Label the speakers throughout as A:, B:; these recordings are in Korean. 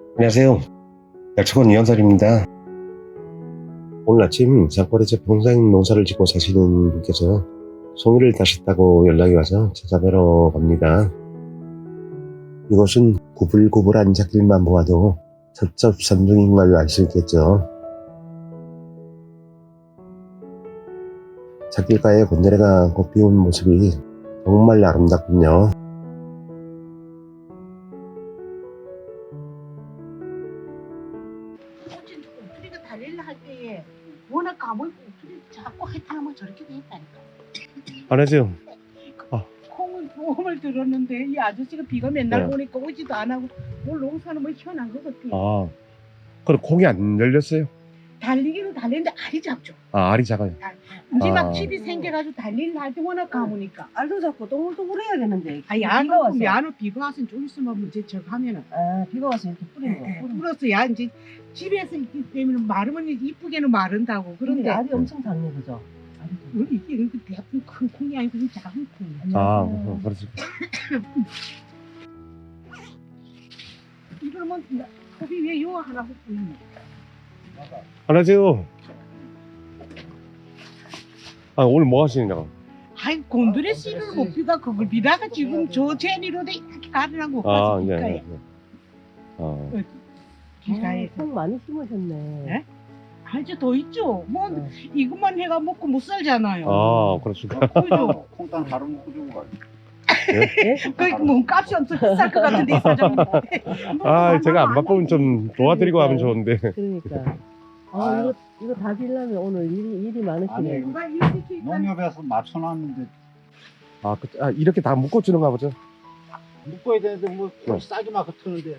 A: 안녕하세요. 약초원 이현설입니다. 오늘 아침 산골에서 평생 농사를 짓고 사시는 분께서 송이를 따셨다고 연락이 와서 찾아뵈러 갑니다. 이곳은 구불구불한 잣길만 보아도 첩첩산중인 걸 알 수 있겠죠. 잣길가에 곤드레가 꽃 피운 모습이 정말 아름답군요.
B: 우리가 달릴라 할 때에 워낙 가물고 우리 자꾸 하여튼 저렇게 돼 있다니까.
A: 안녕하세요.
B: 콩은 보험을 들었는데 이 아저씨가 비가 맨날
A: 네.
B: 오니까 오지도 안 하고 뭘 농사는 뭐 희한한 것 같아.
A: 그럼 콩이 안 열렸어요?
B: 달리기는 달리는데 알이 작죠.
A: 알이 작아요.
B: 이제 막 집이 생겨가지고 달릴라 할 때 워낙 가무니까.
C: 알도 잡고 동글동글 해야겠는데.
B: 야는 비가 와서 좀 있으면 문제 저거 하면은
C: 비가 와서 이렇게 뿌리는 거.
B: 불어서 야 이제 집에서 있기 때문에 마르면 이쁘게는 마른다고.
C: 그런데
B: 그런데
C: 알이 엄청 작네, 그죠?
B: 이게 대부분 큰 콩이 아니고 그냥 작은 콩이야.
A: 그렇지.
B: 이러면 컵이 왜 요 하나 보이네.
A: 안녕하세요. 오늘 뭐 하시느냐고?
B: 아이 곤드레 씨를 못 비가 그걸 비다가 지금 저 제니로도 이렇게 가르라고 가서 비가에 비가에
C: 콩 많이 심으셨네.
B: 네? 아주 더 있죠. 뭐 이것만 해가 먹고 못 살잖아요.
A: 그렇습니까?
B: 그죠?
D: 콩땅 바로 먹고 주고 가요.
B: 그 몸값이 엄청 비쌀 것 같은데 이 사장님.
A: 제가 안 바쁘면 좀 도와드리고 하면 좋은데.
C: 그러니까. 이거 다 빌려면 오늘 일이 많으시네.
D: 아니,
B: 누가 이렇게
D: 농협에서 맞춰놨는데
A: 이렇게 다 묶어주는가 보죠?
D: 묶어야 되는데 뭐 싸게 막 트는데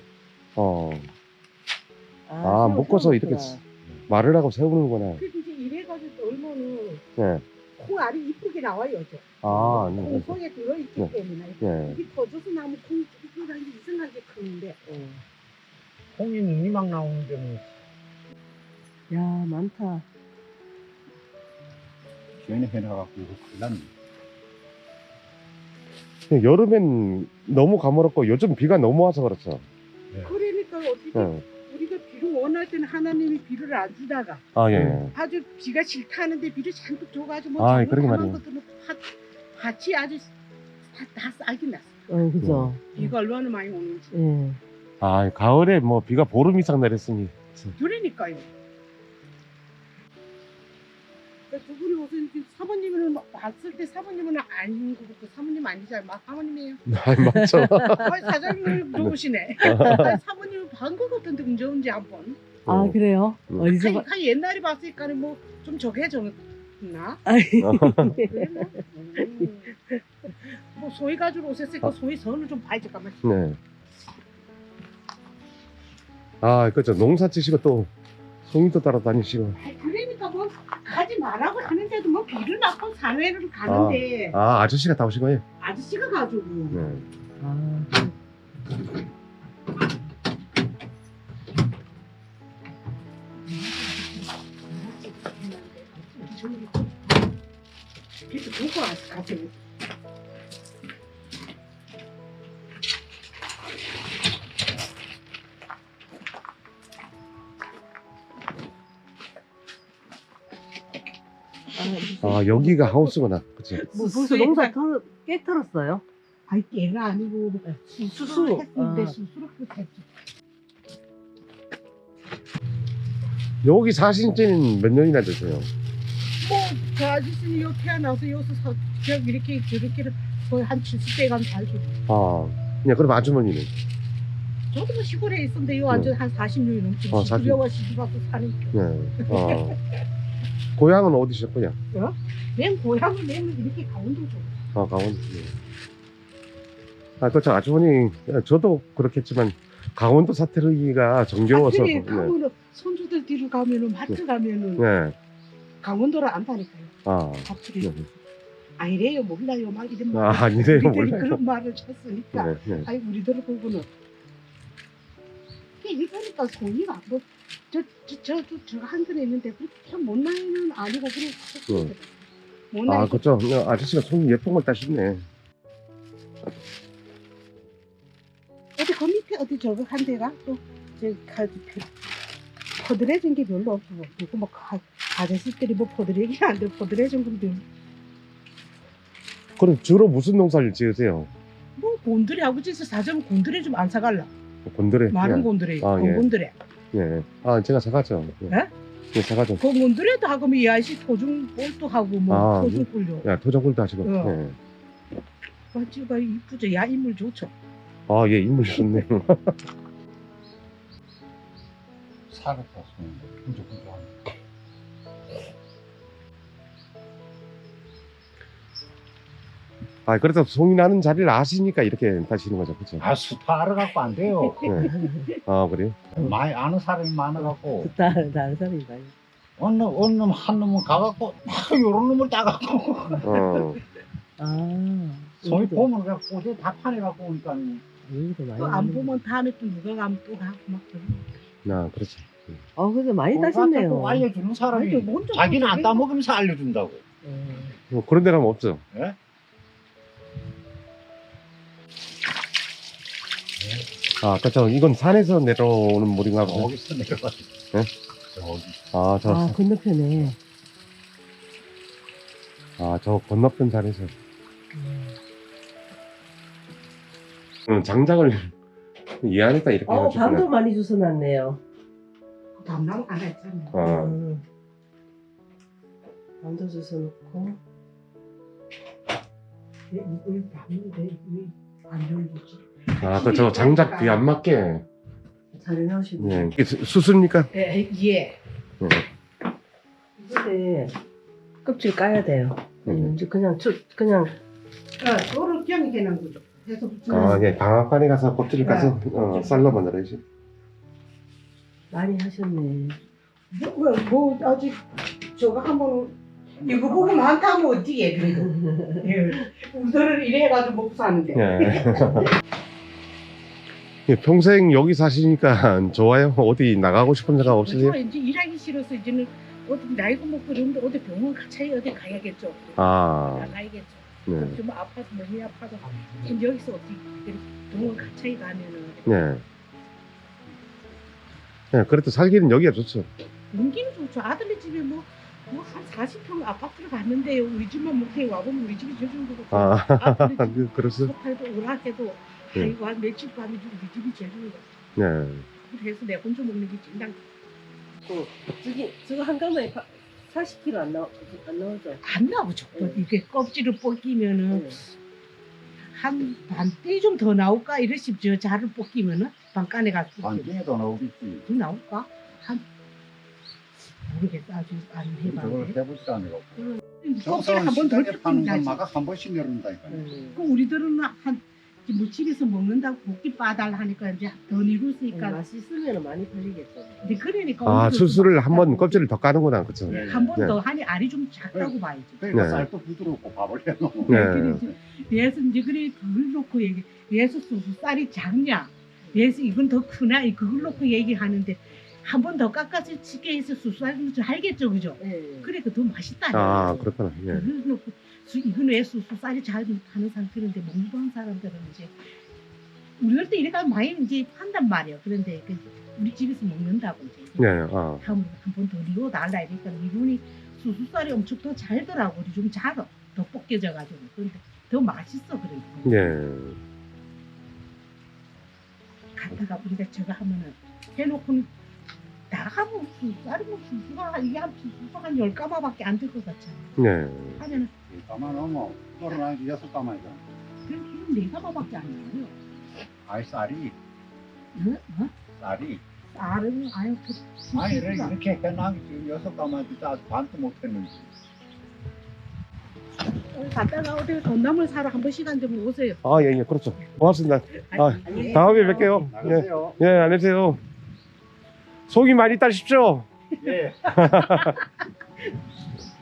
A: 묶어서 이렇게 말을 하고 세우는구나.
B: 그 이제 이래가지고 얼마는
A: 네.
B: 콩알이 이쁘게 나와요. 저.
A: 네.
B: 콩 속에 들어있기
A: 네.
B: 때문에
A: 네.
B: 이게 터져서 나면 콩이 이상하게 크는데.
D: 콩이 눈이 막 나오는데 뭐
C: 야, 많다.
D: 괜히 해놔갖고 큰일 났네.
A: 여름엔 너무 가물었고 요즘 비가 너무 와서 그렇죠.
B: 그러니까 어떻게
A: 네.
B: 우리가 비를 원할 때는 하나님이 비를 안 주다가
A: 예.
B: 아주 비가 싫다는데 비를 잔뜩 줘가지고
A: 그러게 말이에요.
B: 것들은 밭이 아주 다 싹이 났어.
C: 그죠?
B: 비가 얼마나 많이 오는지.
C: 예.
A: 가을에 뭐 비가 보름 이상 내렸으니.
B: 그러니까요. 두 분이 무슨 사모님은 봤을 때 사모님은 아닌 것 같고 사모님 아니잖아요. 사모님이에요.
A: 맞죠.
B: 사장님 좋으시네. 사모님은 본 것 같은데 언제 언제 한번.
C: 그래요? 어디서 봐?
B: 옛날에 봤으니까는 뭐 좀 저게 정했나? 그래 뭐 소위 가지고 오셨으니까 소위 선을 좀 봐야지 잠깐만.
A: 네. 그렇죠. 농사 지시고 또 송이도 따라다니시고.
B: 그러니까 뭐 가지 말라고 하는데도 뭐 비를 맞고 산회를 가는데
A: 아저씨가 다 오신 거예요?
B: 아저씨가 가지고.
A: 네.
B: 그래서 보고 가세요.
A: 여기가 하우스구나. 그치?
C: 벌써 농사 깨 털었어요?
B: 아이 얘가 아니고 수수 했는데 수수로 했지.
A: 여기 사신 지는 몇 년이나 되세요?
B: 뭐저 아저씨는 요 태어나서 여기서 이렇게 저렇게를 거의 한 70대 가면 살고.
A: 그냥 그럼 아주머니는?
B: 저도 뭐 시골에 있었는데 요 완전 한 40년이 넘지.
A: 40.
B: 시골에 시집 와서 사니까.
A: 네. 고향은 어디셨고요?
B: 맨 고향을 내면 이렇게 강원도죠.
A: 강원도. 그렇죠. 아주머니, 저도 그렇겠지만, 강원도 사투리가 정겨워서.
B: 그래 가면은 손주들 뒤로 가면은 마트 가면은
A: 네.
B: 강원도를 안다니까요. 사투리.
A: 네.
B: 아니래요 몰라요 막 이런 말.
A: 아니래요
B: 우리들이
A: 몰라요.
B: 그런 말을 쳤으니까.
A: 네.
B: 아니 우리들을 보고는. 이러니까 소리가 저 한글에 있는데 그렇게 못 나이는 아니고 그래. 못 나이.
A: 그렇죠. 아저씨가 손이 예쁜 걸 따시네.
B: 어디 그 밑에 어디 저거 한 데가 또 퍼들해진 게 별로 없어. 그리고 뭐 아저씨들이 뭐 퍼들해기 안 돼. 퍼들해진 건 별로.
A: 그럼 주로 무슨 농사를 지으세요?
B: 뭐 곤드레 하고 진짜 사전 곤드레 좀 안 사갈라.
A: 곤드레.
B: 마른
A: 예.
B: 곤드레,
A: 아, 예.
B: 곤드레.
A: 예. 아, 제가 사가죠. 예.
B: 예?
A: 예, 사가죠.
B: 그 곤드레도 하고 뭐 이 아저씨 토중 볼도 하고 뭐
A: 아,
B: 토중 꿀요.
A: 야, 토종꿀도 하시고.
B: 어.
A: 예.
B: 맞지가 이쁘죠. 야 인물 좋죠.
A: 아, 예, 인물 좋네요.
D: 살았다 손 끈적끈적하네.
A: 아, 그래도 송이 나는 자리를 아시니까 이렇게 다시는 거죠, 그렇죠?
D: 아 스타 알아갖고 안 돼요.
A: 예. 아, 그래요?
D: 많이 아는 사람이 많아갖고
C: 다른 사람이 많이.
D: 어느 놈 한 놈은 가갖고 막 요런 놈을 따갖고
A: 어.
C: 아.
D: 손이
C: 여기도-
D: 보면 그냥 꼬지 다 파내갖고 오니까
C: 여기도 많이.
B: 또 안 보면 다음에 또 누가 가면 또 가고 막 그래.
A: 아, 그렇죠.
C: 그래도 많이
D: 꼭
C: 따셨네요.
D: 알려주는 사람이
B: 아니, 먼저
D: 자기는 안
B: 그렇게
D: 따먹으면서 알려준다고.
A: 뭐 그런 데 가면 없죠.
D: 예?
A: 아, 아까 이건 산에서 내려오는 물인가 보죠.
D: 저기서 내려가지.
A: 예?
D: 저기.
A: 아,
C: 아, 건너편에.
A: 저 건너편 산에서. 장작을 이 안에다 이렇게 해가지고.
C: 밤도 많이 주워놨네요.
B: 담당 안 했잖아요.
A: 어.
C: 밤도 주워놓고.
B: 이걸 봤는데 이게 안 열리지.
A: 저 장작 뒤 안 맞게.
C: 잘 해놓으시네.
A: 예. 이게 수습니까?
B: 예.
C: 이제 껍질 까야 돼요.
A: 음.
C: 이제 그냥
B: 요를 그냥 해놓은 거죠. 해서
A: 예. 방앗간에 가서 껍질을 까서 쌀로 만들어야지.
C: 많이 하셨네.
B: 뭐 아직 저거 한번 이거 보고 많다면 어디에 그래도. 예. 우리들은 이래 해가지고 먹고 사는데.
A: 예. 예, 평생 여기 사시니까 좋아요? 어디 나가고 싶은 생각 없으세요?
B: 이제 일하기 싫어서 이제는 어디 나이가 먹고 그러는데 어디 병원 가차에 어디 가야겠죠.
A: 아,
B: 나가야겠죠.
A: 네.
B: 좀 아파도 몸이 아파도 그럼 여기서 어디 병원 가차에 가면은
A: 네. 네, 그래도 살기는 여기가 좋죠.
B: 용기는 좋죠. 아들네 집에 뭐 한 40평 아파트를 갔는데요. 우리 집만 못해 와보면 우리 집이 저 정도고.
A: 아,
B: 아들네 집
A: 그렇소?
B: 소파에도 오락해도
A: 네.
B: 아이고 한 며칠 밤에 우리 집이 제일 좋은 거.
A: 네.
B: 그래서 내 혼자 먹는 게 진당.
C: 저거 한 가마에 40kg 안 나오죠?
B: 안 나오죠. 또 이게 껍질을 벗기면은
C: 네.
B: 한 반대 좀 더 나올까 이러시 저 자를 벗기면은 반간에 가서
D: 반중에도 나오겠지.
B: 더 나올까? 한 모르겠어. 아주 안
D: 저걸
B: 해봤는데.
D: 해보지도 않고.
B: 껍질 한번 더
D: 시장에 파는
B: 벗기면
D: 건
B: 나지.
D: 마각 한 번씩 내려온다니까요.
B: 그 우리들은 뭐 집에서 먹는다고 볶기 빠달 하니까 이제 더 니루으니까
C: 맛있으면 많이 팔리겠죠.
B: 이제 그러니까
A: 아, 수술을 한번 껍질을 더 까는구나, 그쵸?
D: 네.
B: 한 번
A: 네.
B: 더 하니 알이 좀 작다고 봐야지.
D: 그러니까
A: 네.
D: 쌀도 부드럽고 밥을 해놓고.
A: 네.
B: 얘서 이제 그래 그걸 놓고 얘기. 얘서 쌀이 작냐? 얘서 이건 더 크나? 그걸 놓고 얘기하는데 한 번 더 깎아서 치게 해서 수수하면 좀 알겠죠, 그죠?
C: 네.
B: 그러니까 더 맛있다.
A: 아, 그렇구나. 예.
B: 그걸 놓고 이건 왜 쌀이 잘 하는 상태인데 먹는 사람들은 이제 우리들 때 이래가 많이 이제 한단 말이에요. 그런데 우리 집에서 먹는다고 이제
A: 네, 아.
B: 한 번 더 리고 달라 이러니까 이분이 수수쌀이 엄청 더 잘더라고. 좀 작아. 더 벗겨져가지고. 그런데 더 맛있어 그러니까.
A: 예.
B: 갔다가 우리가 저거 하면은 해놓고는 다 하면 쌀이 뭐 수수가 이게 한 수수가 한 10가마밖에 안 될 것 같잖아.
A: 네.
B: 하면은
D: 가만 넣으면 떨어나기 6가마이잖아.
B: 그럼 4가마밖에 안 나와요.
D: 아이 쌀이
B: 응? 어?
D: 쌀이
B: 쌀은 아유
D: 아니 이렇게 해놔기 지금 6가마도 아직 반도 못했는데.
B: 갔다가 어디 돈나물 사러 한 번 시간 좀 오세요.
A: 아, 예, 예, 그렇죠. 고맙습니다. 아,
B: 아니,
A: 다음에 뵐게요. 예,
D: 나가세요.
A: 예, 안녕히 계세요. 속이 많이 따십시오.
D: 예.